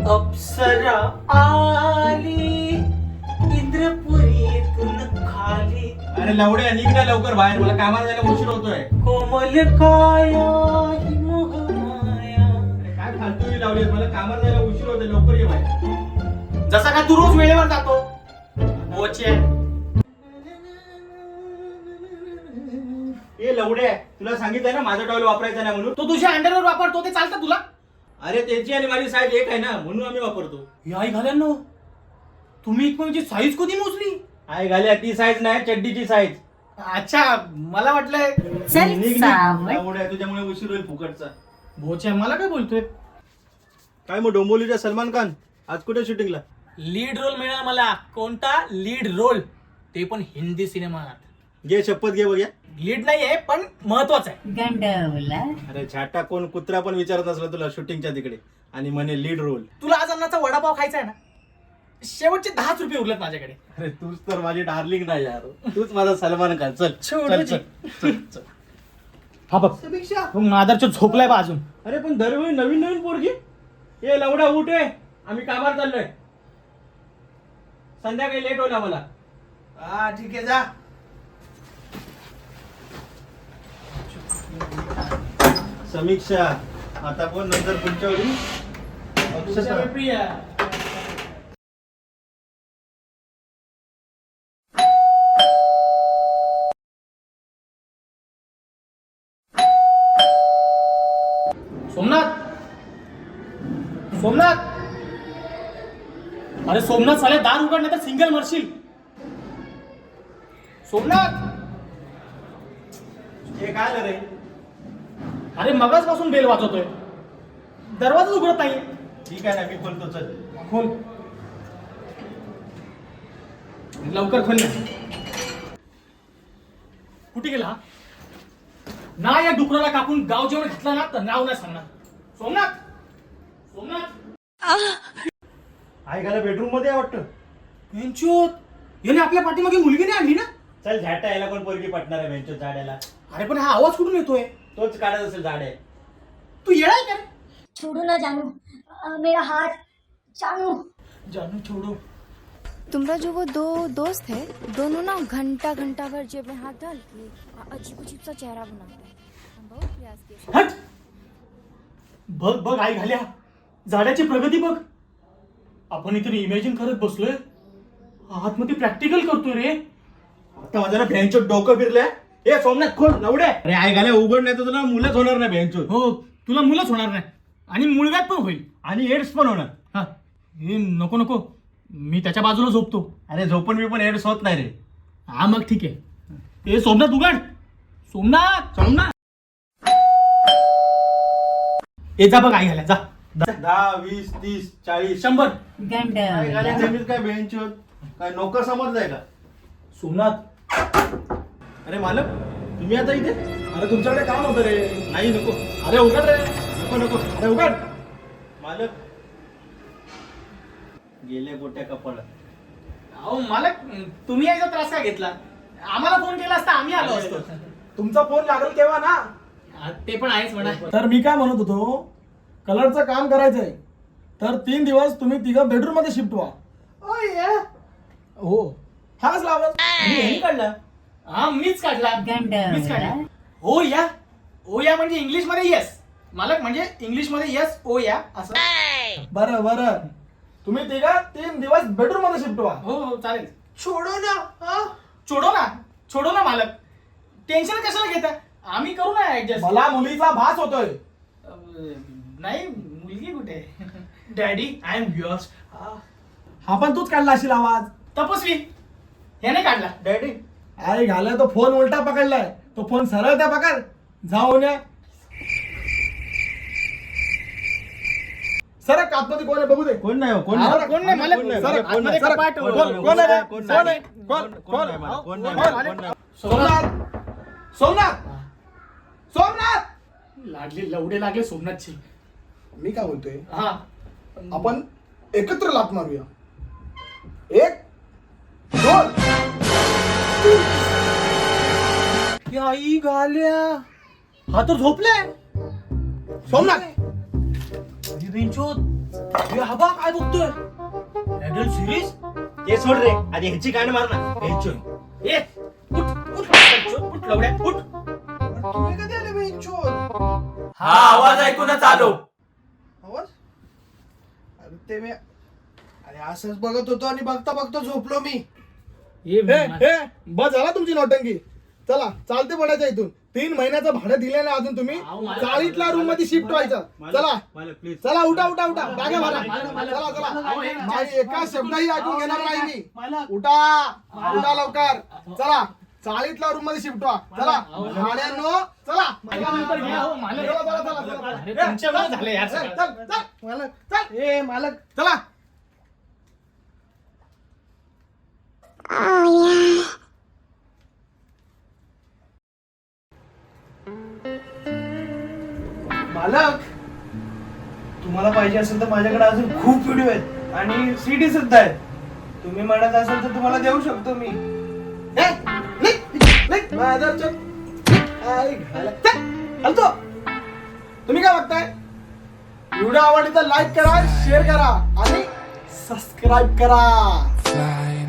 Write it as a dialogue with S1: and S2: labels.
S1: अप्सरा आली इंद्रपुरीतून खाली.
S2: अरे लवड्या निघ ना लवकर बाहेर, मला कामाला जायला उशीर होतोय.
S1: कोमल काया ही मोहमाया.
S2: काय फालतू लावली, मला कामाला जायला उशीर होतोय, लवकर ये बाहेर.
S1: जसा का तू रोज वेळेवर जातो. बोचे
S2: ए लवड्या, तुला सांगितलंय ना माझा टॉवेल वापरायचा नाही म्हणून.
S1: तो तुझ्या अंडरवर वापरतो ते चालतं तुला?
S2: अरे त्याची आणि माझी साईज एक आहे ना, म्हणून आम्ही वापरतो.
S1: याई घाल्यांनो, तुम्ही म्हणजे साईज कधी मोजली?
S2: आई घाल्या ती साईज नाही, चड्डीची साईज.
S1: अच्छा, मला वाटलंय.
S2: लवड्या तुझ्यामुळे उशीर होईल फुकटचा.
S1: भोच्या मला काय बोलतोय?
S2: काय मग डोंबोलीचा सलमान खान आज कुठे शूटिंगला?
S1: लीड रोल मिळाला मला. कोणता लीड रोल? ते पण हिंदी सिनेमात.
S2: घे शपथ घे बघ्या.
S1: लीड नाहीये पण महत्वाचं आहे.
S3: गंडवला.
S2: अरे छाटा, कोण कुत्रा पण विचारत नसला तुला शूटिंगच्या तिकडे आणि म्हणे लीड रोल.
S1: तुला आज अन्नाचा वडापाव खायचा आहे ना? शेवटचे 10 रुपये उरलेत माझ्याकडे.
S2: अरे तूच तर माझी डार्लिंग नाही यार, तूच माझा सलमान खान. चल
S1: छोडू
S2: चल
S1: जी.
S2: चल चल.
S1: हा बघ, मादरच्या झोपलाय बा अजून.
S2: अरे पण दरवेळी नवीन नवीन पोरगी. ए लवडा उठ आहे, आम्ही कामावर चाललोय. संध्याकाळी लेट होईल आम्हाला.
S1: हा ठीक आहे, जा.
S2: समीक्षा आता पण नंतर पुढच्या वेळी अक्षता.
S1: प्रिया. सोमनाथ, सोमनाथ. अरे सोमनाथ, साले दार उघड नाही तर सिंगल मरशील. सोमनाथ.
S2: हे काय आलं रे?
S1: अरे मगाच पासून बेल वाजवतोय, दरवाजा उघडत नाही.
S2: ठीक आहे ना, मी खोलतो. चल
S1: खोल, लवकर खोल ना. कुठे गेला ना? या डुकराला कापून गाव जेवण घेतला ना तर नाव नाही सांगणार. सोमनाथ, सोमनाथ.
S2: आई घाला बेडरूम मध्ये आहे वाटतं.
S1: बेंचोत, याने आपल्या पाठीमागे मुलगी नाही आणली ना?
S2: चल झाटा, याला कोण पोरगी पटणार आहे बेंचो झाड्याला?
S1: अरे पण हा आवाज कुठून येतोय?
S2: तोच काढत असेल झाड आहे.
S1: तू येणार का रे?
S3: छोड़ो ना जानू, मेरा हाथ. जानू.
S1: जानू छोड़ो.
S4: तुम्हारा जो वो दो दोस्त है, दोनों ना घंटा घंटा भर जेब में हाथ डाल के अजीब अजीब सा चेहरा बनाते हैं. हम बहुत प्रयास किए.
S1: हट. बघ बघ आई घाल्या, झाडाची प्रगती बघ. आपण इथे इमॅजिन करत बसलोय, आतमध्ये प्रॅक्टिकल करतोय रे.
S2: आता माझ्या बेंचो डोकं फिरलंय. ए सोमनाथ खोल लवड्या. अरे आई घाल्या उघड नाही तर तुला मुलंच होणार नाही बेंचो.
S1: हो, तुला मुलंच होणार नाही आणि मुलगात पण होईल.
S2: आणि एड्स पण होणार.
S1: हा, हे नको नको, मी त्याच्या बाजूला झोपतो.
S2: अरे झोपून मी पण एड्स होत नाही रे.
S1: हा मग ठीक आहे. ए सोमनाथ उघड. सोमनाथ, सोमनाथ. ए जा बघ आई घाल्या, जा.
S2: 10, 20, 30, 40,
S1: 100.
S3: गंडवला.
S2: काय बेंच काय नोकर समजलाय का?
S1: सोमनाथ.
S2: अरे मालक, तुम्ही आता इथे?
S1: अरे तुमच्याकडे काम होतं रे.
S2: नाही नको
S1: अरे उघड रे.
S2: नको नको.
S1: अरे उघड.
S2: मालक गेले गोट्या कपाळात.
S1: अहो मालक, तुम्ही याचा त्रास का घेतला? आम्हाला फोन केला असता आम्ही आलो असतो.
S5: तुमचा फोन लागेल तेव्हा ना.
S1: हा, ते पण आहेच म्हणा.
S5: तर मी काय म्हणत होतो, कलरचं काम करायचंय तर 3 दिवस तुम्ही तिघं बेडरूम मध्ये शिफ्ट व्हा. हो, हा कसला आवाज?
S1: मी काढला. हा मीच काढला. मीच काढला.
S3: गंडवला.
S1: हो या. ओ या म्हणजे इंग्लिश मध्ये येस. मालक म्हणजे इंग्लिश मध्ये येस ओ या असं.
S5: बरं बरं, तुम्ही तिघं 3 दिवस बेडरूम मध्ये शिफ्ट व्हा.
S1: हो हो चालेल. छोडो ना. हा? छोडो ना, छोडो ना मालक. टेन्शन कशाला घेता, आम्ही करू ना ऍडजस्ट.
S5: मला मुलीचा भास होतोय.
S1: नाही, मुलगी कुठे? Daddy I am yours.
S5: हा पण तूच काढला असेल आवाज.
S1: तपस्वी ह्याने काढला.
S2: डॅडी
S5: अरे घालाय तो फोन उलटा पकडलाय, तो फोन सरळ त्या पकड. जाऊन या. सर आतमध्ये कोण आहे बघू दे.
S2: कोण नाही हो, कोण
S5: हा,
S2: नाही.
S1: कोण नाही मालक.
S2: कोण नाही,
S5: सर,
S2: कोण नाही,
S5: सर,
S1: कपाट.
S5: कोण आहे रे?
S2: कोण
S5: कोण
S2: नाही.
S5: आहे? कोण?
S2: कोण नाही मला, कोण नाही मला, कोण नाही.
S5: सोमनाथ, सोमनाथ, सोमनाथ.
S1: लागले लवडे लागले सोमनाथची.
S5: मी काय बोलतोय,
S1: हा
S5: आपण एकत्र लात मारूया. 1, 2.
S1: आई घाल्या, हा तर झोपलाय.
S5: सोमनाथ,
S1: बेंचोत हा बा काय बघतोय ऍडल्ट सिरीज.
S2: ते सोड रे, आधी ह्याची कान मार ना. बेंचो ए उठ उठ बेंचो, उठ लवड्या उठ.
S5: तुम्ही कधी आले बेंचोर?
S1: हा आवाज ऐकूनच आलो.
S5: आवाज? अरे ते मी अरे असंच बघत होतो आणि बघता बघता झोपलो मी. बस झाला तुमची नोटंकी. चला चालते पडायचं इथून. 3 महिन्याचं भाडं दिले ना अजून तुम्ही. चाळीतल्या रूम मध्ये शिफ्ट व्हायचं. चला
S2: मालक प्लीज.
S5: चला उठा उठा उठा बॅगा भरा. चला चला माझी एका शब्दही ऐकून घेणार नाही मी. उठा उठा लवकर. चला चाळीतल्या रूम मध्ये शिफ्ट व्हा. चला भाड्यांनो चला. चला, चला, चला, चला.
S1: झाले यार
S5: चल, चल, चल. मालक चल. ए मालक चला.
S6: मालक, तुम्हाला पाहिजे असेल तर माझ्याकडे अजून खूप व्हिडिओ आहेत आणि सीडी सुद्धा आहेत. तुम्ही म्हणत असाल तर तुम्हाला देऊ शकतो मी.
S5: ए, निघ, निघ, माझ्यावर चल. आई घाला. चल, हलतो. तुम्ही काय बघताय? व्हिडिओ आवडली तर लाईक करा, शेअर करा आणि सबस्क्राईब करा.